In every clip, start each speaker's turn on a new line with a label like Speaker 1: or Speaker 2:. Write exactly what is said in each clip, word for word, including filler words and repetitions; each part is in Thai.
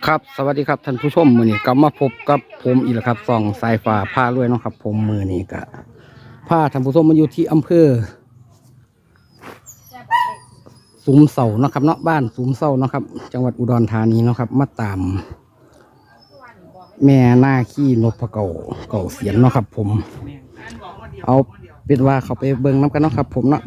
Speaker 1: ครับสวัสดีครับท่านผู้ชมมือนี้กลับมาพบกับผมอีกแล้วครับส่องสายฟ้าผ้ารวยเนาะครับผมมือนี้ก็ผ้าท่านผู้ชมมาอยู่ที่อำเภอสุมเสาเนาะครับเนาะบ้านสุมเสาเนาะครับจังหวัดอุดรธานีเนาะครับมาตาม แม่หน้าขี้นพเก่าเก่าเสียนเนาะครับผมเอาเป็นว่าเขาไปเบิ่งน้ำกันเนาะครับผมเนาะ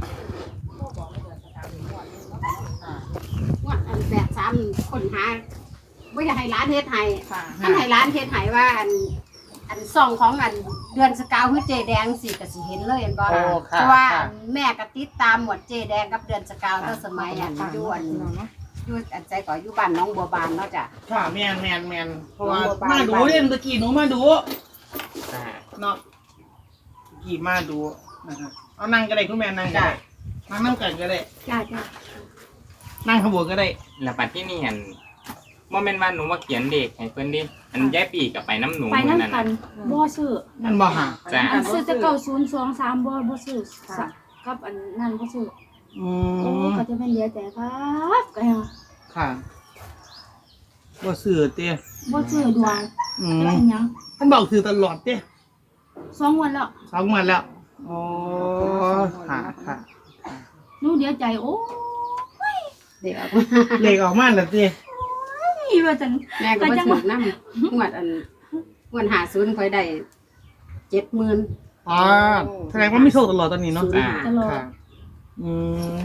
Speaker 2: ว่าอันแบบซ้ำคนหาไม่อยากให้ร้านเทศไทยท่านให้ร้านเทศไทยว่าอันอันซองของอันเดือนสกาวคือเจแดงสิก็สิเห็นเลยเห็นบ่เพราะว่าแม่ก็ติดตามหมดเจแดงกับเดือนสกาวตั้งสมัยอันอยู่อันอยู่อันใจก่ออยู่บ้านน้องบัวบานเนาะจ้ะ
Speaker 3: ค่ะแมนแมนแมนเพราะว่ามาดูเล่นตะกี้หนูมาดูเนาะกี่มาดูนะครับเอานั่งก็ได้คุณแม่นั่งก็ได้นั่งนั่งกันก็ได้
Speaker 2: จ้าจ้า
Speaker 3: นั่งขบวนก็ได้
Speaker 4: แล้วปัดที่นี่เห็นว่าแม่นว่าหนูมาเขียนเด็กให้เพิ่นดิอันย้ายปีกับไปน้ำหนู
Speaker 5: ไป
Speaker 4: นั่น
Speaker 5: น้ำกันบ่ซื้อ
Speaker 3: นั่นบ่หา
Speaker 4: จ้า
Speaker 5: อันซื้อจะเก้าศูนย์สองสามบ่บ่ซื้อกับอันนั่นบ่ซื้อ
Speaker 3: อื
Speaker 5: โอ้
Speaker 3: ม
Speaker 5: ก็จะเป็นเหลือแต่ครับก็ยัง
Speaker 3: ค่ะบ่ซื้อเต้
Speaker 5: บ่ซื้อดวง
Speaker 3: อื
Speaker 5: จะ
Speaker 3: ม
Speaker 5: เป็นหยัง
Speaker 3: ท่านบอกซื้อตลอดเต้
Speaker 5: สองวันแล้ว
Speaker 3: สองวันแล้วโอ้ค่ะค่ะ
Speaker 5: หนูเดียวใจโอ้ย
Speaker 2: เด็กออก
Speaker 3: เลขออกมาแล้วเต้
Speaker 5: นี่ว่าจัง
Speaker 2: แม่ก็มาถูกน้ำงวดอันงวดหาศูนย์คอยได้เจ็ดหมื่น
Speaker 3: อ๋อแสดงว่าไม่โชคตลอดตอนนี้เนาะ
Speaker 2: จ้า
Speaker 5: ตลอด
Speaker 3: ค่ะอืม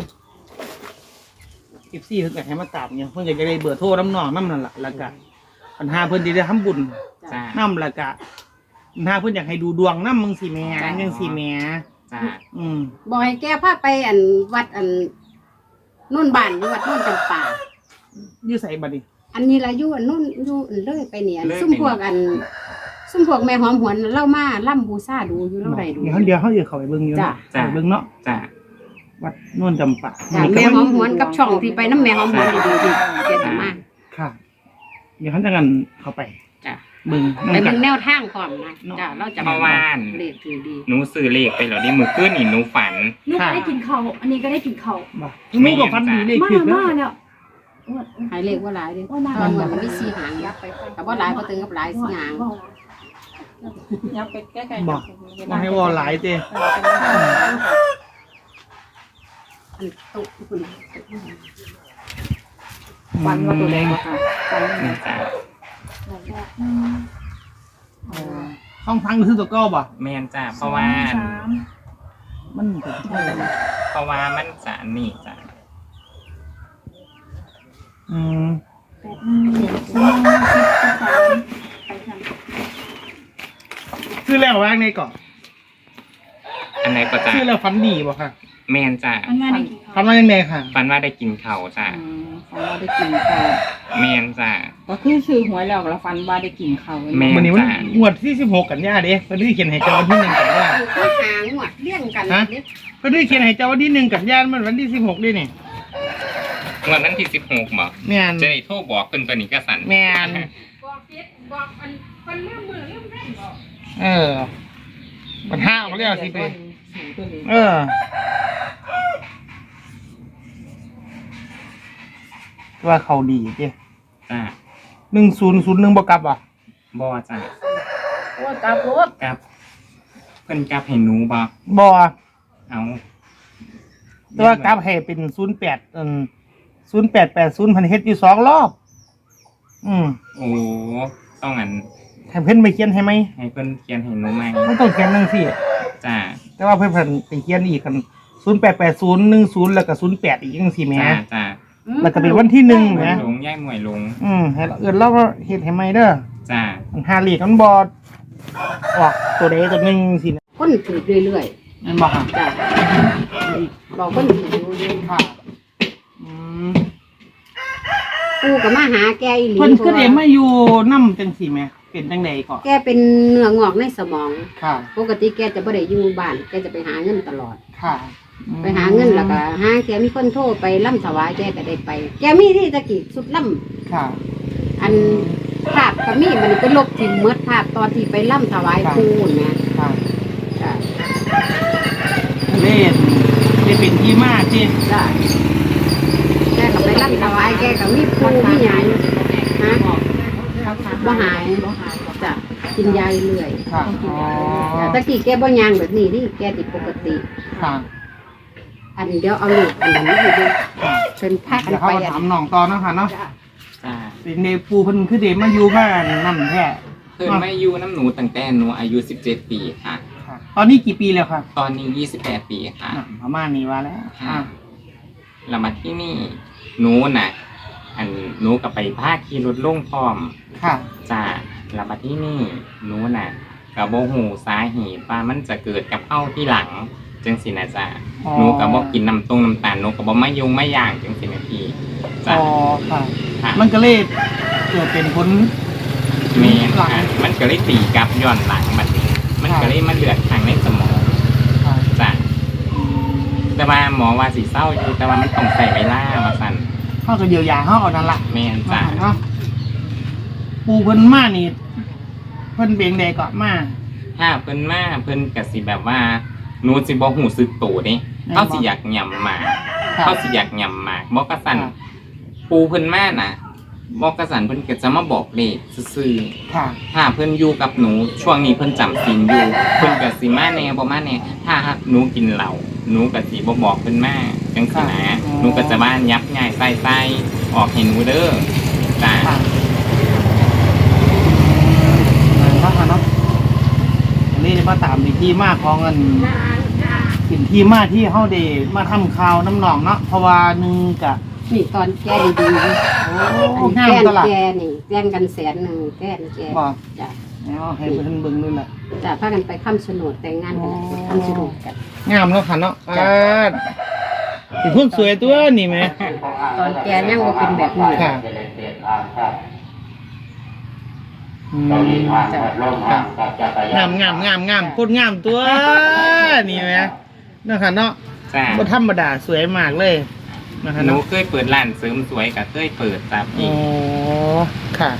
Speaker 3: สิบสี่เพิ่นก็ให้มาตามเนี่ยเพิ่นก็จะได้เบอร์โทรน้ำหนองน้ำนั่นแหละแล้วก็ปัญหาเพิ่นที่ได้ทำบุญ
Speaker 4: จ้า
Speaker 3: น้ำแล้วก็ปัญหาเพิ่นอยากให้ดูดวงน้ำมึงสิแม่ยังสิแม่
Speaker 4: จ้า
Speaker 3: อืม
Speaker 2: บอกให้แกพาไปอันวัดอันนุ่นบ้านอยู่วัดนุ่นจำปา
Speaker 3: อยู่ใส่บัดนี้
Speaker 2: อันนี้ละอยู่อันนุ่นอยู่อันเลยไปเนี่ยซุ่มพวกอัน ซุ่มพวกแม่หอมหวนเล่ามาล่ำบูชาดูอยู่เล่าใดดู
Speaker 3: เดี๋ยวเขาเดี๋ยวเขาเดี๋ยวเขาไปเบิ่งอยู่
Speaker 2: จ้ะ
Speaker 3: เนาะไปเบิ่งเนาะ
Speaker 4: จ้า
Speaker 3: วัดโน่นจำปา
Speaker 2: จ้ะแม่หอมหวนกับช่องที่ไปน้ำแม่หอมหวนดีดีดีแกจะมา
Speaker 3: ค่ะ เดี๋ยวเขาจะกันเข้าไป
Speaker 2: จ้ะ
Speaker 3: เบิ่ง
Speaker 2: ไป
Speaker 3: นำกั
Speaker 2: เบิ่
Speaker 3: น
Speaker 2: งแนวทางความนะจ้ะเราจะ
Speaker 4: เมื่อวาน
Speaker 2: เลขถือดี
Speaker 4: หนูซื้อเลขไปเหรอดิมือขึ้นนี่หนูฝัน
Speaker 5: หนูก็ได้กินข้าวอันนี้ก็ได้กินข้าว
Speaker 3: บ่มึงก็ฟันดีเลข
Speaker 5: มา
Speaker 3: ผิด
Speaker 5: มา
Speaker 3: แล้ว
Speaker 5: แล้ว
Speaker 2: หายเลขว่าหลายเลย
Speaker 5: ว่าหลาย
Speaker 2: ตอนวันมันมีสี่หางแต่ว่าหลายเพราะตึงกับหลายสี่หาง
Speaker 6: ยับไปใกล้
Speaker 3: บอกมาให้วอหลายเต้
Speaker 2: อันตุกคุณ
Speaker 6: ฟันว่าตัวแดงอะค่ะฟัน
Speaker 4: นี่จ้า
Speaker 3: ห้องพังคือตัวเก้าบ่
Speaker 4: แม่นจ้าเพราะว่า
Speaker 5: สาม
Speaker 3: มันเป็นที่ไหน
Speaker 4: เพราะว่ามันจะนี่จ้า
Speaker 3: อืม
Speaker 5: แปดหนึ่งเจ็ดสองสิบสามไปทำ
Speaker 3: ชื่อแล้วว่าไงก่อน
Speaker 4: อันไหนก็จ้า
Speaker 3: ชื่อแล้วฟันดีบ่ค่ะ
Speaker 4: แม่นจ้า
Speaker 5: อันงานได้กิน
Speaker 3: ฟั
Speaker 5: ข้าวน
Speaker 3: ว่ายังไงค่ะ
Speaker 4: ฝันว่าได้กินเขาวจ้า
Speaker 6: ฟันว่าได้กินข้าว
Speaker 4: แม่นจ้า
Speaker 6: ก็คือชื่อหวยแล้วแล้วฟันว่าได้กินข้าว
Speaker 4: แม่
Speaker 3: วันนี้มัน
Speaker 4: จ้ะ
Speaker 3: งวดที่สิบหกกันยาเด้เพิ่นได้เขียนให้เจ้าวันที่หนึ่งกันยา
Speaker 2: คือหางหมดเลี้ยงกันเนี่ย
Speaker 3: เพิ่นได้เขียนให้เจ้าวันที่หนึ่งกันยามันวันที่สิบหกด้วยนี่
Speaker 4: งวดนั้นที่สิบหกบ่
Speaker 3: แม่น
Speaker 4: จะได้โทรบอกเพิ่นตัวนี้ก็สั่น
Speaker 3: แม่น
Speaker 2: บอกเฟซบอกอันเป็นเรื่องมือเรื่องแม่บอก
Speaker 3: เออมันห้ามาแล้วสิไปเออว่าเขาดีเจ้
Speaker 4: จ้า
Speaker 3: หนึ่งศูนย์ศูนย์หนึ่งบกลับอ่ะ
Speaker 4: บ่จ้า
Speaker 6: โอ้ยกราบรถ
Speaker 4: กับเพิ่นกับให้หนูบ่
Speaker 3: บอ
Speaker 4: เอา
Speaker 3: แต่ว่ากลับให้เป็นศูนย์แปดอืมศูนย์แปดแปดศูนย์พันเฮ็ดอยู่สองรอบ อืม
Speaker 4: โอ้ต้องอัน
Speaker 3: ให้เพิ่นไปเขียนให้ไหม
Speaker 4: ให้เพิ่นเขียนให้หนูใหม่
Speaker 3: ไม่ต้องเขียนนั่งสิ
Speaker 4: จ้า
Speaker 3: แต่ว่าเพิ่นเพิ่นไปเขียนอีกกันศูนย์แปดแปดศูนย์หนึ่งศูนย์แล้วก็ศูนย์แปดอีกยังสี่แหม่
Speaker 4: จ้าจ้า
Speaker 3: แล้วก็เป็นวันที่หนึ่ง
Speaker 4: หมวย
Speaker 3: นะ
Speaker 4: ลงย่ายหมวยลง
Speaker 3: อืมให้เราเอิ้นเราก็เฮ็ดให้ไหมเด้อ
Speaker 4: จ้า
Speaker 3: มันหาเลขมันบ่ออกตัวใดตัวหนึ่งสินะ
Speaker 2: คนถือเรื่อย
Speaker 3: นั่นบ่ค่ะ
Speaker 2: ๆจ้ะบอกคนถืออยู่เรื่อย
Speaker 3: ค่ะอืม
Speaker 2: ๆกูกับมาหาแกอีหลี
Speaker 3: เพิ่นคือได้มาอยู่นำจังซี่แหมเป็นจังไดก่อน
Speaker 2: แกเป็นเนื้องอกในสมอง
Speaker 3: ค่ะ
Speaker 2: ปกติแกจะไม่ได้อยู่บ้าน แกจะไปหาเงินตลอด
Speaker 3: ค่ะ
Speaker 2: ไปหาเงินแล้วก็หาแกมีคนโทรไปล่ำถวายแกก็ได้ไป แกมีที่ตะกี้สุดล่
Speaker 3: ค่ะ
Speaker 2: ำอันภาพก็มีมันก็ลบทิ้งเมื่อภาพตอนที่ไปล่ำถวายครูนะ
Speaker 3: ค่ะ
Speaker 2: จ้ะ
Speaker 3: เล่นได้เป็นที่มาที่
Speaker 2: จ้ะแกก็ไปล่ำถวายแกก็มีครูมีหยังฮะบ่หาย
Speaker 6: บ่หายบ่
Speaker 2: จ้ะกินยาเรื่อย
Speaker 3: ค่ะอ๋อ
Speaker 2: จ้ะตะกี้แกบ่ยางแบบนี้นี่แกติดปกติ
Speaker 3: ค่ะ
Speaker 2: อันเดี๋ยวเอาลูกอันนั้นมาให้ดูเป็นพากัน
Speaker 3: เดี๋ยวเขา
Speaker 2: ไป
Speaker 3: ก็
Speaker 2: อัน
Speaker 3: ถามน้องต่อเนาะค่ะเนาะ
Speaker 2: จ้ะ
Speaker 4: จ้า
Speaker 3: เป็นเดปูเพิ่นคือเดมาอยู่บ้านนั่นแท้
Speaker 4: เพิ่นไม่อยู่น้ำหนูตั้งแต่หนูอายุสิบเจ็ดปีค่ะ
Speaker 3: ค่ะตอนนี้กี่ปีแล้วครับ
Speaker 4: ตอนนี้ยี่สิบแปดปีค่ะ
Speaker 3: อ่ะประมาณนี้ว่าแล้ว
Speaker 4: ค่ะ
Speaker 3: อ่ะ
Speaker 4: เรามาที่นี่หนูน่ะ อันหนูกับไปพาขี่รถลงพร้อม
Speaker 3: ค่ะ
Speaker 4: จ้าเรามาที่นี่หนูน่ะกับโบหูสาเหตุว่ามันจะเกิดกับเอ้าที่หลังจังสินะจ้า
Speaker 3: อ๋อ
Speaker 4: หนูกับบอกกินน้ำตรงน้ำตาลหนูกับบอกไม่ยุงไม่ย่างจังสินะพี่จ้า
Speaker 3: อ๋อค่ะ
Speaker 4: ค่ะ
Speaker 3: มันก็เลยเกิดเป็นผล
Speaker 4: เมนค่ะมันก็เลยตีกลับย้อนหลังมาสิมันก็เลยมันเลือดทางในสมอง
Speaker 3: ค่ะ
Speaker 4: จ้าแต่ว่าหมอว่าสีเศร้าอยู่แต่ว่ามันต้องใส่เวลามาสั่น
Speaker 3: เขาก็เยียวยาเขาเอานั่นละ
Speaker 4: เมนจ้า
Speaker 3: เนาะปูเพิ่นมานี่เพิ่นเบงใดก็มา
Speaker 4: ถ้าเพิ่นมาเพิ่นก็สิแบบว่าหนูสิบ่หูสึกโตเด้เขาสิอยากหย่ำหมาก
Speaker 3: ค่ะ
Speaker 4: เขาสิอยากหย่ำหมากบอกกระสัน
Speaker 3: ค่ะ
Speaker 4: ปูเพิ่นมาน่ะบอกกระสันเพิ่นก็จะมาบอกเลขซื่อ
Speaker 3: ค่ะ
Speaker 4: ๆถ้าเพิ่นอยู่กับหนูช่วงนี้เพิ่นจำศีลอยู่เพิ่นก็สิมาแน่บ่มาแน่ถ้าหนูกินเหล้าหนูก็สิบ่บอกเพิ่นมาจังซี่นะ
Speaker 3: ค่ะอ๋อ
Speaker 4: หนูก็จะว่ายับง่ายใส่ๆออกให้หนูเด้อจ้า
Speaker 3: ค่ะนั่นเนาะค่ะเนาะอันนี้มาตามในที่มาของเงินเป็นที่มาที่เฮาได้มาทำข่าวน้ำหนองเนาะเพราะว่าหนึงกะ
Speaker 2: นี่ตอนแกดีๆอัน
Speaker 3: โอ้
Speaker 2: แก
Speaker 3: งาม
Speaker 2: น
Speaker 3: ตลาด
Speaker 2: แกนี่แกนกันแสนหนึ่งแกนแก
Speaker 3: บ่
Speaker 2: จ้ะ
Speaker 3: แล้วให้เพิ่นเบิ่งด้วยแหละ
Speaker 2: จ้ะพากันไปค้ำโฉนดแต่งงานกันไปค้ำโฉนดกัน
Speaker 3: งามเนาะค่ะเนาะอ่าเป็นคนสวยตัวนี่แหม
Speaker 2: ตอนแกยังบ่เป็นแบบนี้
Speaker 3: ค่ะอืม
Speaker 2: จ้ะ
Speaker 3: งามงามงามงามโคตรงามตัวนี่แหมเนาะค่ะเนาะ
Speaker 4: จ้า
Speaker 3: บ่ธรรมดาสวยมากเลยนะคะ
Speaker 4: หนู
Speaker 3: เนาะ
Speaker 4: เคยเปิดร้านเสริมสวยก็เคยเปิดจ้า
Speaker 3: อ๋
Speaker 4: พี่
Speaker 3: อค่ะ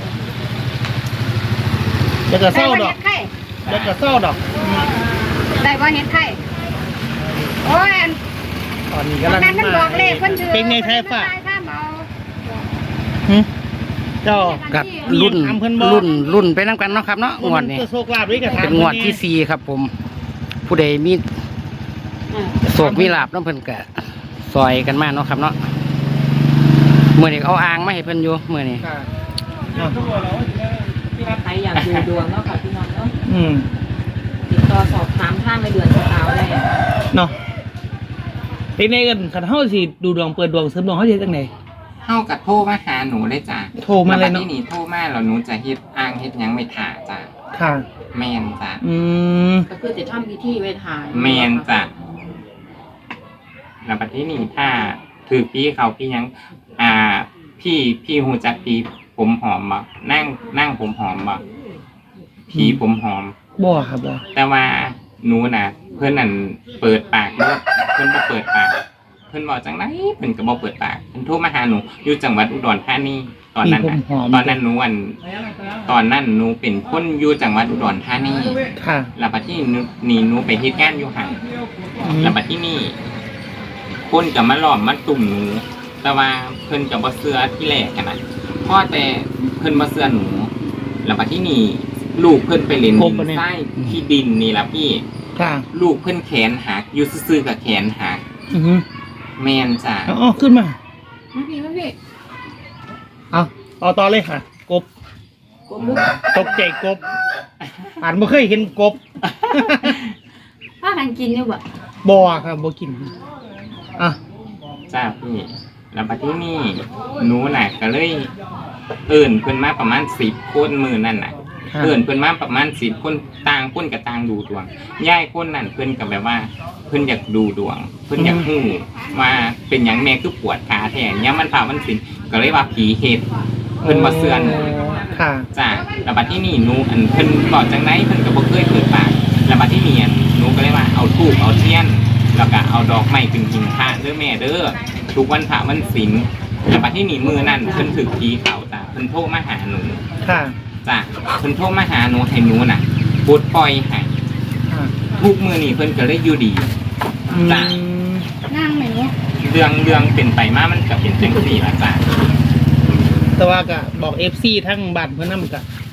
Speaker 3: แล้วก็เศร้าดอก
Speaker 2: ไข่
Speaker 3: แล้วก็เศร้าดอก
Speaker 2: ได้บ่เฮ็ดไข่โอ้ยอัน
Speaker 3: ตอนนี้กำลัง
Speaker 2: นั้นมันบอกเลขเพิ่นชื่อ
Speaker 3: เป็นไงไทยฟ้า
Speaker 2: ข้ามเอา
Speaker 3: หึเจ้า
Speaker 1: กับ
Speaker 3: มี
Speaker 1: รุ่น
Speaker 3: ถามเพิ่นบ่
Speaker 1: รุ่นรุ่นไปน้ำกันเนาะครับเนาะงวดนี้
Speaker 3: ตัวโชคลาภด้วยกับถาม
Speaker 1: เป็นงวดที่สี่ครับผม ผู้ใดมี
Speaker 2: เออ
Speaker 1: โศกมีลาบน้ำเพิ่นกะซอยกันมาเนาะครับเนาะเมื่อนี้เอาอ่างมาให้เพิ่นอยู่เมื่อนี้
Speaker 3: ค่ะเนาะ
Speaker 6: ถ้าใครอยากดูดวงเนาะค่ะพี่น้องเนาะ
Speaker 3: อืม
Speaker 6: ติดต่อสอบถามทางในเดือนสกาวได้
Speaker 3: เนาะเป็นไงกันคันเฮาสิดูดวงเปิดดวงเสริมดวงเฮาสิเฮ็ดจังได๋
Speaker 4: เข้ากับโทรมาหาหนูเลยจ้า
Speaker 3: โทรมาเลยเนาะ
Speaker 4: ที่นี่โทรมาแล้วหนูจะเฮ็ดอ้างเฮ็ดหยังไม่ถ่าจ้า
Speaker 3: ค่ะ
Speaker 4: แม่นจ้า
Speaker 3: อืม
Speaker 6: ก็คือจะทำพิธีไว้ถ่าย
Speaker 4: แม่นจ้ะ แล้วบัดที่นี่ถ้าถือพี่เขาพี่ยัง อ่า พี่พี่หูจักพี่ผมหอมบ่นั่งนั่งผมหอมบ่พี่ผมหอม
Speaker 3: บ่ครับบ่
Speaker 4: แต่ว่าหนูน่ะ เพื่อนนั่นเปิดปากเด้อเพื่อนบ่เปิดปาก เพื่อนบอกจังไรเพื่อนก็บ่เปิดปากเพื่อนโทรมาหาหนูอยู่จังหวัดอุดรธานีตอนนั้น
Speaker 3: ผม
Speaker 4: น่ะ
Speaker 3: หอม
Speaker 4: ตอนนั้นหนูอันตอนนั้นหนูเป็นคนอยู่จังหวัดอุดรธานี
Speaker 3: ค่ะ
Speaker 4: แล้วบัดที่นี่หนูไปเฮ็ดงานอยู่หั่น
Speaker 3: อืม
Speaker 4: แล้วบัดที่นี่คนก็มาล้อมมาตุ่มหนู แต่ว่าเพิ่นก็บ่เชื่อที่แรกกันนะเพราะแต่เพิ่นบ่เชื่อหนู แล้วบัดที่นี่ลูกเพิ่นไปเล่นดินทรายที่ดินนี่ล่ะพี่
Speaker 3: ค่ะ
Speaker 4: ลูกเพิ่นแขนหักอยู่ซื่อๆกับแขนหัก
Speaker 3: อือฮึ
Speaker 4: แม่นจ้ะ
Speaker 3: เอาเอาขึ้นมา
Speaker 6: มาพี่มาพี่
Speaker 3: เอาเอาต่อเลยค่ะ กบ
Speaker 6: กบลึก
Speaker 3: ตกใจกบอ่านบ่เคยเห็นกบ
Speaker 5: พากันกินอยู่บ่
Speaker 3: บ่ครับบ่กินอ่ะ
Speaker 4: จ้าพี่ แล้วบัดที่นี่หนูน่ะก็เลยเอิ้นเพิ่นมาประมาณสิบคนมื้อนั่นน่ะ
Speaker 3: ค่ะ
Speaker 4: เพื่อนเพื่อนมาประมาณสิบคนต่างคนกับต่างดูดวงย่ายคนนั่นเพื่อนกับแบบว่า เพื่อนอยากดูดวง เพื่อนอยากหู้ว่าเป็นอย่างแม่คือปวดขาแทนย่ามันผ่ามันสินก็เลยว่าผีเห็ดเพื่อนมาเสื่อน
Speaker 3: ค่ะ
Speaker 4: จ้าแล้วบัดที่นี่หนูอันเพื่อนบอกจังไรเพื่อนก็บ่เคยเปิดปากแล้วบัดที่นี่อันหนูก็เลยว่าเอาธูปเอาเทียนแล้วก็เอาดอกไม้ขึ้นหิ้งพระเด้อแม่เด้อทุกวันพระวันศีลแล้วบัดที่นี่มือนั่นเพื่อนถึกผีเขาจ้าเพื่อนโทรมาหาหนู
Speaker 3: ค่ะ
Speaker 4: จ้ะเพิ่นโทรมาหาหนูให้หนูน่ะปลดปล่อยให้
Speaker 3: ค่ะ
Speaker 4: ทุกมื้อนี้เพิ่นก็เลยอยู่ดี
Speaker 3: อืม
Speaker 4: จ้ะ
Speaker 5: นั่งไหมเนาะ
Speaker 4: เรื่องเรื่องเป็นไปมามันก็เป็นจังซี่ล่ะจ้ะ
Speaker 3: แต่ว่าก็บอก เอฟ ซี ทั้งบ้านเพิ่นนำก็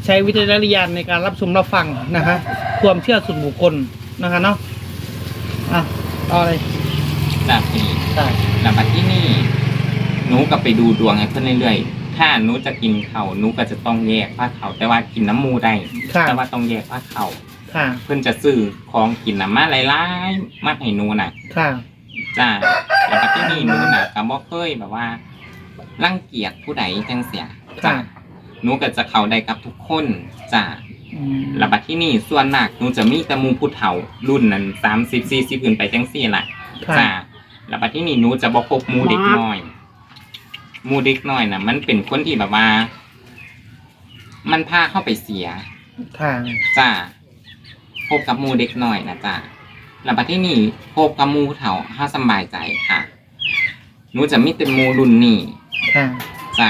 Speaker 3: ใช้วิจารณญาณในการรับชมรับฟังนะคะความเชื่อส่วนบุคคลนะคะเนาะอ่ะต่อเลย
Speaker 4: แบบนี้
Speaker 3: ใช่
Speaker 4: แล้วมาที่นี่หนูก็ไปดูดวงให้เพื่อนเรื่อยๆถ้าหนูจะกินเขาหนูก็จะต้องแยกผ้าเขาแต่ว่ากินน้ำมูได้
Speaker 3: ค่ะ
Speaker 4: แต่ว่าต้องแยกผ้าเขา
Speaker 3: ค่ะ
Speaker 4: เพื่อนจะซื้อของกินน้ำมาหลายๆมาให้หนูน่ะ
Speaker 3: ค่ะ
Speaker 4: จ้าแล้วก็ที่นี่หนูน่ะก็บ่เคยแบบว่ารังเกียจผู้ใดจังเสียจ้า
Speaker 3: ค่ะ
Speaker 4: หนูก็จะเข้าได้กับทุกคนจ้า
Speaker 3: อืม
Speaker 4: แล้วบัดที่นี่ส่วนมากหนูจะมีแต่หมูผู้เฒ่ารุ่นนั้นสามสิบสี่สิบขึ้นไปจังซี่แหละ
Speaker 3: ค่ะ
Speaker 4: จ้าแล้วบัดที่นี่หนูจะบ่พบหมูเด็กน้อยหมูเด็กน้อยน่ะ มันเป็นคนที่แบบว่า มันพาเข้าไปเสีย
Speaker 3: ค่ะ
Speaker 4: จ้าพบกับหมูเด็กน้อยนะจ้าแล้วบัดที่นี่พบกับหมูผู้เฒ่าเฮาสำบายใจค่ะหนูจะมีแต่หมูรุ่นนี้
Speaker 3: ค่ะ
Speaker 4: จ้า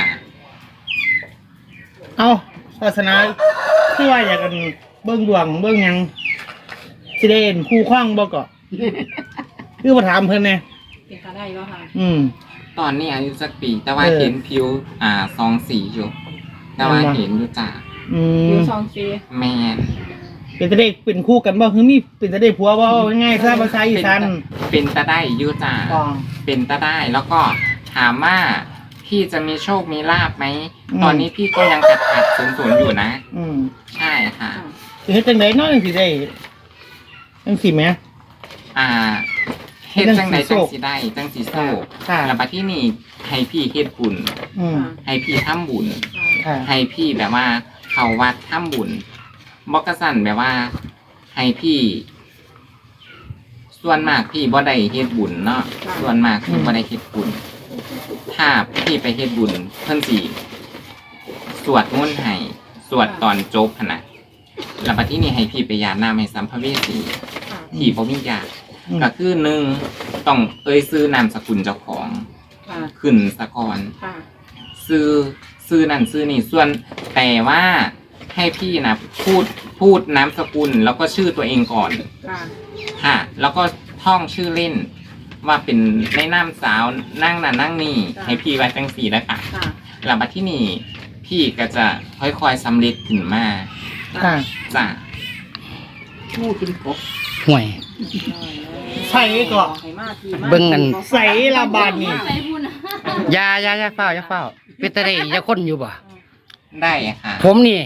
Speaker 3: เอาศาสนาคือว่าอยากกันเบิ้งดวงเบิ้งหยังสิได้เห็นคู่ข้องบ่ก็ คือมาถามเพิ่นแน่
Speaker 6: เป็นก็ได้บ่ค่ะ
Speaker 3: อืม
Speaker 4: ตอนนี้อายุสักปี แต่ว่า
Speaker 3: เออ
Speaker 4: เห็นผิว อ่าซองสีอยู่แต่ว่า
Speaker 3: เห็นบ่
Speaker 4: เห็นอยู่จ้า
Speaker 3: อื
Speaker 6: อ
Speaker 3: ม
Speaker 6: ยู่สองซี
Speaker 4: แมน
Speaker 3: เป็นจะได้เป็นคู่กันบ่คือมีเป็นจะได้ผัวบ่ง่ายๆถ้าภาษาอีสาน
Speaker 4: เป็นตาได้อยู่จ้า
Speaker 3: อ๋อ
Speaker 4: เป็นตาได้แล้วก็ถามว่าพี่จะมีโชคมีลาบไหม
Speaker 3: อืม
Speaker 4: ตอนนี้พี่ก็ยังขัดขัดศูนย์ศูนย์อยู่นะ
Speaker 3: อืม
Speaker 4: ใช่ค่ะ
Speaker 3: สิเฮ็ดจังได๋เนาะจังสิได้จังสิแหม
Speaker 4: อ่าเฮ็ดจังใด
Speaker 3: จั
Speaker 4: จั
Speaker 3: ง
Speaker 4: ง
Speaker 3: สิ
Speaker 4: สิได้จังสิโซ่
Speaker 3: ค่ะ
Speaker 4: แล้วบัดที่นี่ให้พี่เฮ็ดบุญ
Speaker 3: อืม
Speaker 4: ให้พี่ทำบุญ
Speaker 3: ค่ะ
Speaker 4: ให้พี่แบบว่าเข้าวัดทำบุญบอกกระสันแบบว่า ให้พี่ ส่วนมากพี่บ่ได้เฮ็ดบุญเนาะส่วนมากพี่บ่ได้เฮ็ดบุญ ถ้าพี่ไปเฮ็ดบุญเพิ่นสิสวดมนต์ให้สวดตอนจบหั่นน่ะแล้วบัดที่นี่ให้พี่ไปยาน้ำให้สัมภเวสีที่บ่มีญาติ
Speaker 3: อืม
Speaker 4: ก็คือหนึ่งต้องเอ่ยซื้อนามสกุลเจ้าของ
Speaker 6: ค่ะ
Speaker 4: ขึ้นสะก่อน
Speaker 6: ค่ะ
Speaker 4: ซื้อซื้อนั่นซื้อนี่ส่วนแต่ว่าให้พี่นะพูดพูดนามสกุลแล้วก็ชื่อตัวเองก่อน
Speaker 6: ค่ะ
Speaker 4: ค่ะ แล้วก็ท่องชื่อเล่น ว่าเป็นในนามสาวนั่งน่ะนั่งนี่ให้พี่ไว้จังสีแล้วค่ะ
Speaker 6: ค่ะ
Speaker 4: หลังจากที่นี่พี่ก็จะค่อยๆสำเร็จขึ้นมา
Speaker 3: ค่ะ
Speaker 4: จ้ะ
Speaker 6: หมูกินกบ
Speaker 1: ห่วย
Speaker 3: ใส่ก็
Speaker 6: ให้มาทีมา
Speaker 1: เบิ่งกัน
Speaker 3: ใส่ละบาดนี่
Speaker 5: ใส่บุญอะ
Speaker 1: อยาอยาอยาเฝ้าอยาเฝ้าเป็นตาได้อยาคนอยู่บ่
Speaker 4: ได้ค่ะ
Speaker 1: ผมนี่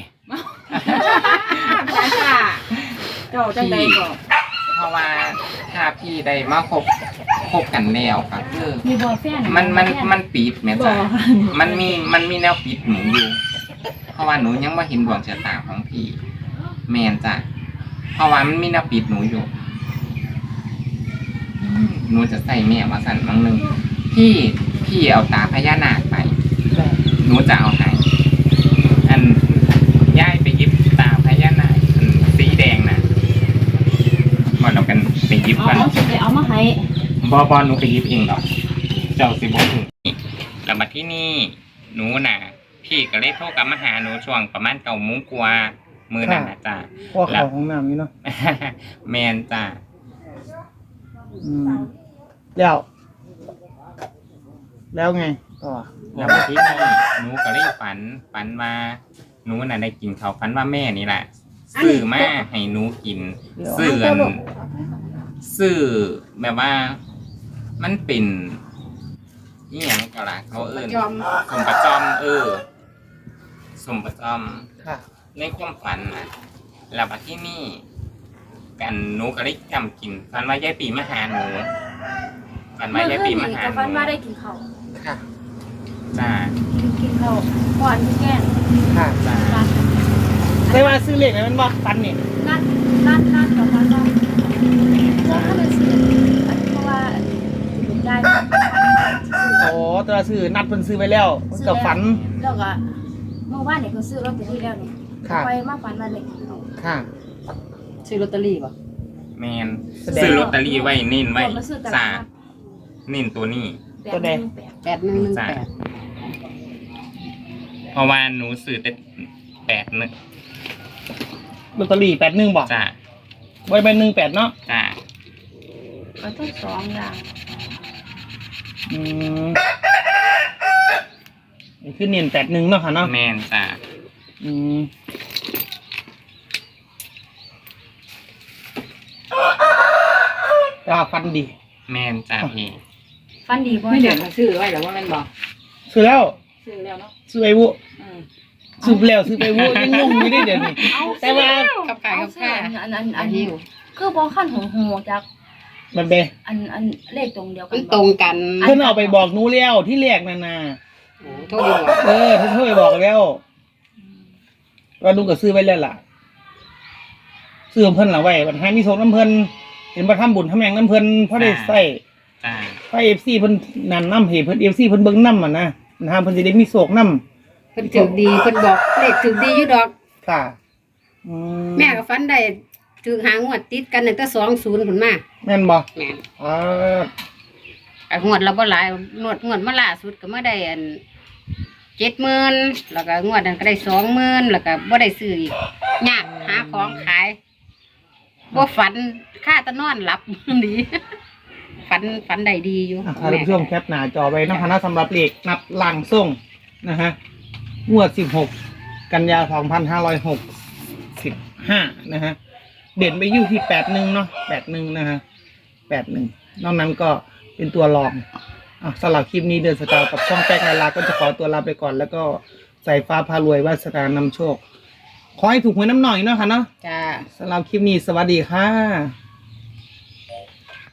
Speaker 6: จ้าจ้าเจ้าจังใดก็
Speaker 4: เพราะว่าถ้าพี่ได้มาคบคบกันแล้วก็คือ
Speaker 5: มีบอแฟน
Speaker 4: มันมันมันปิดแม่
Speaker 6: บ่
Speaker 4: จ้ะ
Speaker 6: ค่ะ
Speaker 4: มันมีมันมีแนวปิดหนูอยู่ เพราะว่าหนูยังไม่เห็นดวงชะตาของพี่ แมนจ้ะเพราะว่ามันมีแนวปิดหนูอยู่อืมหนูจะใส่แม่มาสั่นบางหนึ่งพี่พี่เอาตาพญานาคไป หนูจะเอาให้อันย้ายไปหยิบตาพญานาคอันสีแดงน่ะบอลเรากันไปหยิบ
Speaker 5: เอา
Speaker 4: กัน
Speaker 5: เอาสิไปเอามาให้
Speaker 4: บอบอหนูไปหยิบเองหรอกเจ้าสิบอกแล้วมาที่นี่หนูน่ะ พี่ก็เลยโทรกลับมาหาหนูช่วงประมาณเก้าโมงกว่ามือนั่นนะจ้า
Speaker 3: พอเข้าห้องน้ำนี่เนาะ
Speaker 4: แมนจ้า
Speaker 3: อืมแล้ว แล้วไงต่อ
Speaker 4: แล้วมาที่นี่หนูก็เลยฝันฝันว่าหนูน่ะได้กินเขาวฝันว่าแม่นี่แหละซื้อมาให้หนูกินซื้ออันซื้อแบบว่า มันเป็นนี่ยังก็ล่ะเขาเอิ้น
Speaker 2: ยอม
Speaker 4: สมประจอม เออสมประจอม
Speaker 3: ค่ะ
Speaker 4: ในความฝันนะแล้วมาที่นี่ กันหนูก็ได้จำกินฝันว่ายายปีมาหาหนูฝันว่า
Speaker 5: เมื่อย
Speaker 4: าย
Speaker 5: คื
Speaker 4: ปี
Speaker 5: น
Speaker 4: มา
Speaker 5: นี้
Speaker 4: หา
Speaker 5: ก็
Speaker 4: ห
Speaker 5: ฟัน
Speaker 4: นู
Speaker 5: ว่าได้กินข้าว
Speaker 4: ค่ะจ้า
Speaker 5: กินข้าวก่อนที่แกง
Speaker 3: ค่ะ
Speaker 4: จ้า
Speaker 5: นัด
Speaker 3: ได้ว่าซื้อเลขไหนมันบ่ฟันนี่
Speaker 5: นัดนัดนัดกับฟันว่าเพราะถ้าเป็นสื่ออันเพราะว่าได้
Speaker 3: โอ้ตัวซื้อนัดเพิ่นซื้อไปแล้วมันกับฝัน
Speaker 5: แล้วก็เมื่อวานเนี่ยก็ซื้อลอตเตอรี่แล้วนี่
Speaker 3: ค่ะ
Speaker 5: ไปมาฝันมาเลยเอา
Speaker 3: ค่ะ
Speaker 6: ซื้อลอตเตอรี่บ่
Speaker 4: แมน
Speaker 3: แสดง
Speaker 4: ซื้อลอตเตอรี่ไว้เน้นไว้
Speaker 5: มาซื้อต
Speaker 4: จ้า
Speaker 5: ลาด
Speaker 4: เน้นตัวนี้
Speaker 5: นัด
Speaker 3: ตัวใด
Speaker 5: แปดหนึ่งแปด
Speaker 2: แปดหนึ่งหนึ่ง
Speaker 4: จ้า
Speaker 2: แปด
Speaker 4: เพราะว่าหนูซื้อแต่แปดหนึ่ง
Speaker 3: ลอตเตอรี่แปดหนึ่งบอก
Speaker 4: จ้า
Speaker 3: ไว้เป็นหนึ่งแปดเนาะ
Speaker 4: จ้า
Speaker 5: ก็ต้องสองอย่าง
Speaker 3: อืมนี่คือเนียนแปดหนึ่งเนาะค่ะเนาะ
Speaker 4: แมนจ้า
Speaker 3: อืมฟันดี
Speaker 4: แม่นจ้าพี่
Speaker 5: ฟันดีบ่
Speaker 6: ไม่เดือดมาซื้อไว้แล้วว่ามันบอก
Speaker 3: ซื้อแล้ว
Speaker 6: ซื้อแล้วเนาะ
Speaker 3: ซื้อไปวุ
Speaker 6: อืม
Speaker 3: ซื้อไปแล้วซื้อไปวุยังงงอยู่ได้เดี๋ยวนี้แต่ว่า
Speaker 2: กับไก่
Speaker 5: เอา
Speaker 2: กับ
Speaker 5: เสื้อ
Speaker 2: ข้า
Speaker 5: อันอันอันอันคือบ่ขั้นหงหูจาก
Speaker 3: มันเบ
Speaker 5: อันอันเลขตรงเดียวกั
Speaker 2: มัน นตรงกัน
Speaker 3: เพิ่นเอาไปบอกหนูแล้วที่แรกนั่นน่ะ
Speaker 2: โทษดีกว่า
Speaker 3: เออเพิ่นโทรไปบอกแล้วว่าลุงก็ซื้อไว้แล้วล่ะซื้อของเพิ่นล่ะไว้บัดให้มีโชคน้ำเพิ่นเห็นบ่ทำบุญทำหยังน้ำเพิ่นพอได้ใช้
Speaker 4: จ้า
Speaker 3: พระ เอฟ ซี เพิ่นนั่นนำให้เพิ่น เอฟ ซี เพิ่นเบิ่งนำอ่ะนะนะฮะเพิ่นสิได้มีโชคนำ
Speaker 2: เพิ่นถือดีเพิ่นบอกเลขถือดีอยู่ดอก
Speaker 3: ค่ะอื
Speaker 2: แม่ก็ฝันได้ถือหางวดติดกันตั้งแต่สองศูนย์ผลมา
Speaker 3: แม่นบ่
Speaker 2: แม่น
Speaker 3: อ่า
Speaker 2: ไอ้งวดเราบ่หลายงวดงวดมาล่าสุดก็มาได้อันเจ็ดหมื่นแล้วก็งวดนั้นก็ได้สองหมื่นแล้วก็บ่ได้ซื้ออีกยากหาของขายบ่ฝันค่าแตะนอนหลับ ดี ฝันฝันได้ดีอยู่
Speaker 3: อ่ะท่านผู้ชมแคปหน้าจอไว้นะคะสำหรับเลขนับล่างส่งนะฮะงวดสิบหกกันยาสองพันห้าร้อยหกสิบห้านะฮะเด่นไปอยู่ที่แปดหนึ่งเนาะแปดหนึ่งนะฮะแปดหนึ่งนอกนั้นก็เป็นตัวรองอ่ะสำหรับคลิปนี้เดินสกาวกับช่องแป๊กไลลาก็จะขอตัวลาไปก่อน แล้วก็ใส่ฟ้าพารวยวาสนานำโชค ขอให้ถูกหวยน้ำหน่อยเนาะค่ะเนาะ
Speaker 2: จ้า
Speaker 3: สำหรับคลิปนี้สวัสดีค่ะ